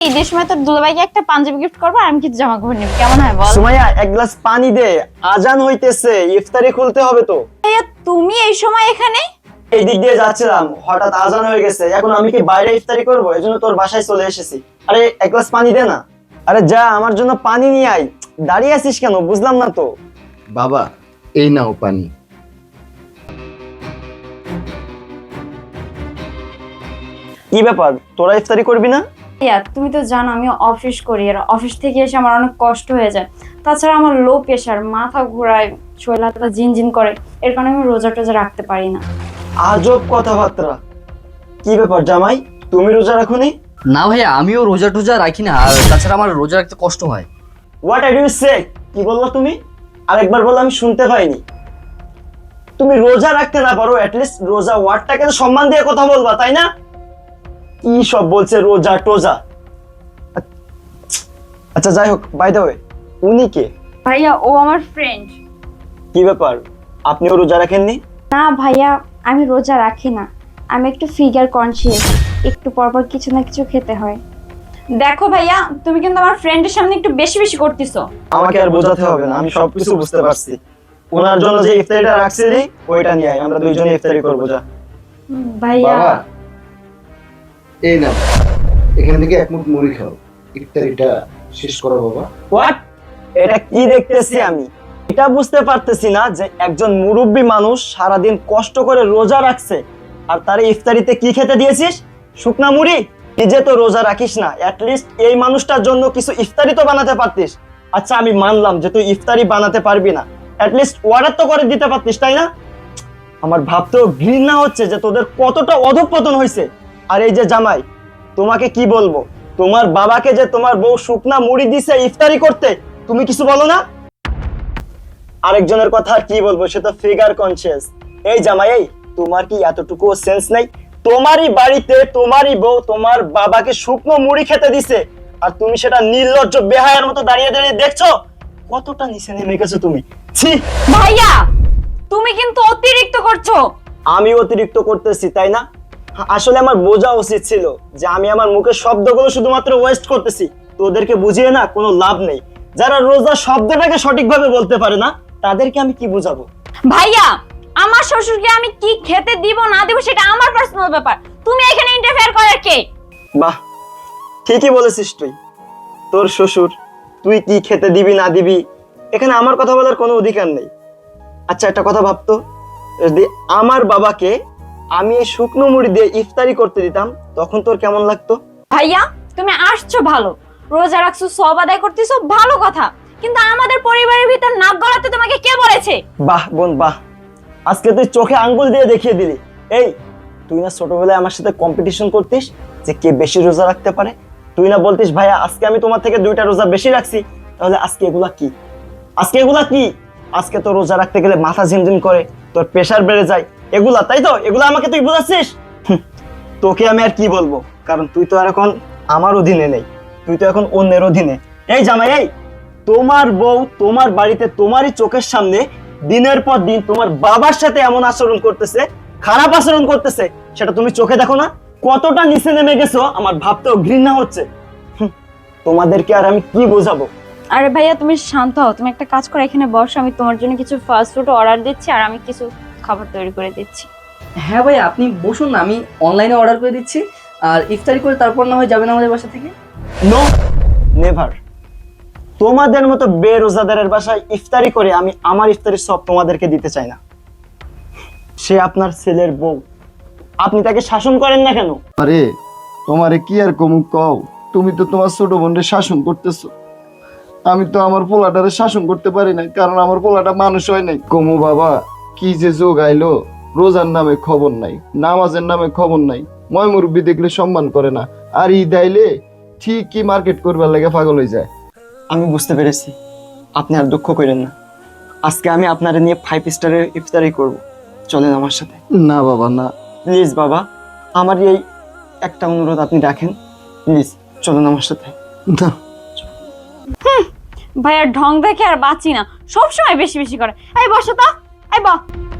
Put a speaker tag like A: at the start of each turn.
A: ঈদের সময় তোর দুলাভাইকে একটা পাঞ্জাবি গিফট করবো আর আমি কিছু জামা কাপড় নিবি, কেমন হয় বল?
B: সুমাইয়া, এক গ্লাস পানি দে, আজান হইতেছে, ইফতারি খুলতে হবে তো।
A: ভাইয়া তুমি এই সময় এখানে?
B: এই দিক দিয়ে যাচ্ছিলাম, হঠাৎ আজান হয়ে গেছে, এখন আমি কি বাইরে ইফতারি করবো, এজন্য তোর বাসায় চলে এসেছি। আরে এক গ্লাস পানি দে না। আরে যা, আমার জন্য পানি নিয়ে আয়। দাঁড়িয়ে আছিস কেন, বুঝলাম না তো।
C: বাবা, এই নাও পানি।
B: কি ব্যাপার, তোরা ইফতারি করবি না?
A: ভাইয়া তুমি তো জানো আমি অফিস করি, আর অফিস থেকে এসে আমার অনেক কষ্ট হয়ে যায়। তাছাড়া আমার লো প্রেশার, মাথা ঘোরায়, শরীর হাত পা ঝিনঝিন করে, এর কারণে আমি রোজা টোজা রাখতে পারি না।
B: আজব কথাবার্তা। কি ব্যাপার জামাই, তুমি রোজা রাখোনি?
D: না ভাইয়া, আমিও রোজা টোজা রাখি না, আর তাছাড়া আমার রোজা রাখতে কষ্ট হয়।
B: What are you say? কি বললা তুমি? আরেকবার বলো, আমি শুনতে পাইনি। তুমি রোজা রাখতে না পারো, অ্যাটলিস্ট রোজা ওয়ার্ডটাকে তো সম্মান দিয়ে কথা বলবা, তাই না? কি সব বলছে রোজা টোজা। আচ্ছা যাই হোক, বাই দ্য ওয়ে, উনি কে?
A: ভাইয়া ও আমার ফ্রেন্ড।
B: কি ব্যাপার, আপনিও রোজা রাখেননি?
A: না ভাইয়া, আমি রোজা রাখি না, আমি একটু ফিগার কনসিয়াস, একটু পরপর কিছু না কিছু খেতে হয়। দেখো ভাইয়া, তুমি কিন্তু আমার ফ্রেন্ডের সামনে একটু বেশি বেশি করতেছো।
B: আমাকে আর বোঝাতে হবে না, আমি সবকিছু বুঝতে পারছি। ওনার জন্য যে ইফতারিটা রাখছিলি ওইটা নিয়ে আয়, আমরা দুইজনে ইফতারি করবো। যা।
A: ভাইয়া
C: বাবা, এই নাও, এখান থেকে এক মুঠ মুড়ি খাও, ইফতারিটা শেষ করো বাবা।
B: হোয়াট? এটা কি দেখতেছি আমি? এটা বুঝতে পারতেছি না যে একজন মুরব্বী মানুষ সারাদিন কষ্ট করে রোজা রাখছে, আর তারে ইফতারিতে কি খেতে দিয়েছিস? শুকনা মুড়ি? নিজে তো রোজা রাখিস না, অ্যাটলিস্ট এই মানুষটার জন্য কিছু ইফতারি তো বানাতে পারতিস। আচ্ছা আমি মানলাম যে তুই ইফতারি বানাতে পারবি না, অ্যাটলিস্ট অর্ডার তো করে দিতে পারতিস, তাই না? আমার ভাবতেও ঘৃণা হচ্ছে যে তোদের কতটা অধঃপতন হয়েছে। আর এই যে জামাই, তোমাকে কি বলবো, তোমার বাবাকে যে তোমার বউ শুকনা মুড়ি দিছে ইফতারি করতে, তুমি কিছু বলো না? আরেকজনের কথা আর কি বলবো, সে তো ফিগার কনসিয়াস। এই জামাই, এই তোমার কি এতটুকু সেন্স নাই? তোমারই বাড়িতে তোমারই বউ তোমার বাবাকে শুকনো মুড়ি খেতে দিছে, আর তুমি সেটা নির্লজ্জ বেহায়ার মতো দাঁড়িয়ে দাঁড়িয়ে দেখছো? কতটা নিচে নেমে গেছো তুমি। ছি!
A: ভাইয়া তুমি কিন্তু অতিরিক্ত করছো।
B: আমি অতিরিক্ত করতেছি, তাই না? আসলে আমার বোঝা উচিত ছিল যে আমি আমার মুখের শব্দগুলো শুধুমাত্র ওয়েস্ট করতেছি, তোদেরকে বুঝিয়ে না কোনো লাভ নেই। যারা রোজা শব্দটাকে সঠিকভাবে বলতে পারে না, তাদেরকে আমি কি বুঝাবো?
A: ভাইয়া আমার শ্বশুরকে আমি কি খেতে দিব না দিব সেটা আমার পার্সোনাল ব্যাপার, তুমি এখানে ইন্টারফেয়ার করার কে?
B: বাহ, ঠিকই বলেছিস তুই। তোর শ্বশুর, তুই কি খেতে দিবি না দিবি, এখানে আমার কথা বলার কোনো অধিকার নেই। আচ্ছা একটা কথা ভাবতো, যদি আমার বাবাকে আমি এই শুকনো মুড়ি দিয়ে ইফতারি করতে দিতাম, তখন তোর কেমন লাগতো?
A: ভাইয়া তুমি আসছো ভালো, রোজা রাখছো, সব আদায় করতেছো, ভালো কথা, কিন্তু আমাদের পরিবারের ভিতর নাক গলাতে তোমাকে কে বলেছে?
B: বাহ বোন বাহ, আজকে তুই চোখে আঙ্গুল দিয়ে দেখিয়ে দিলি। এই তুই না ছোটবেলায় আমার সাথে কম্পিটিশন করতিস যে কে বেশি রোজা রাখতে পারে? তুই না বলতিস ভাইয়া আজকে আমি তোমার থেকে 2টা রোজা বেশি রাখছি, তাহলে আজকে এগুলা কি? আজকে এগুলা কি? আজকে তো রোজা রাখতে গেলে মাথা ঝিমঝিম করে, তোর প্রেসার বেড়ে যায়, এগুলা তাই তো? এগুলা আমাকে তুই বোঝাচ্ছিস? তোকে আমি আর কি বলবো, কারণ তুই তো আর এখন আমার অধীনে নেই, তুই তো এখন অন্যের অধীনে। এই জামাই, এই তোমার বউ তোমার বাড়িতে তোমারই চোখের সামনে দিনের পর দিন তোমার বাবার সাথে এমন আচরণ করতেছে, খারাপ আচরণ করতেছে, সেটা তুমি চোখে দেখো না? কতটা নিচে নেমে গেছো আমার ভাবতেও ঘৃণা হচ্ছে। তোমাদেরকে আর আমি কি বোঝাবো?
A: আরে ভাইয়া তুমি শান্ত হও, তুমি একটা কাজ করো, এখানে বসো, আমি তোমার জন্য কিছু ফাস্ট ফুড অর্ডার দিচ্ছি আর আমি কিছু খাবার তৈরি করে দিচ্ছি।
D: হ্যাঁ ভাইয়া, আপনি বসুন না, আমি অনলাইনে অর্ডার করে দিচ্ছি, আর ইফতারি করে তারপর না হয় যাবেন আমাদের বাসা থেকে।
B: No, never. তোমাদের মতো বেরোজাদারের বাসায় ইফতারি করে আমি আমার ইফতারির সব তোমাদেরকে দিতে চাই না। সে আপনার ছেলের বউ, আপনি তাকে শাসন করেন না কেন?
C: আরে তোমারে কি আর কমু কও, তুমি তো তোমার ছোট বোনকে শাসন করতেছো, আমি তো আমার পোলাটারে শাসন করতে পারি না, কারণ আমার পোলাটা মানুষ হয় নাই। কমু বাবা, কি যে যোগ আইলো, রোজার নামে খবর নাই, নামাজের নামে খবর নাই, ময় মুরব্বী দেখলে সম্মান করে না, আর ঈদ আইলে ঠিকই মার্কেট করবার লাগে পাগল হয়ে যায়।
B: আমি বুঝতে পেরেছি, আপনি আর দুঃখ করেন না। আজকে আমি আপনারা নিয়ে 5 স্টারের ইফতারি করব, চলেন আমার সাথে।
C: না বাবা না।
B: প্লিজ বাবা, আমার এই একটা অনুরোধ আপনি রাখেন, প্লিজ চলেন আমার সাথে।
C: না
A: ভাইয়ার ঢং দেখে আর বাঁচি না, সবসময় বেশি বেশি করে। এই বসো তো, এই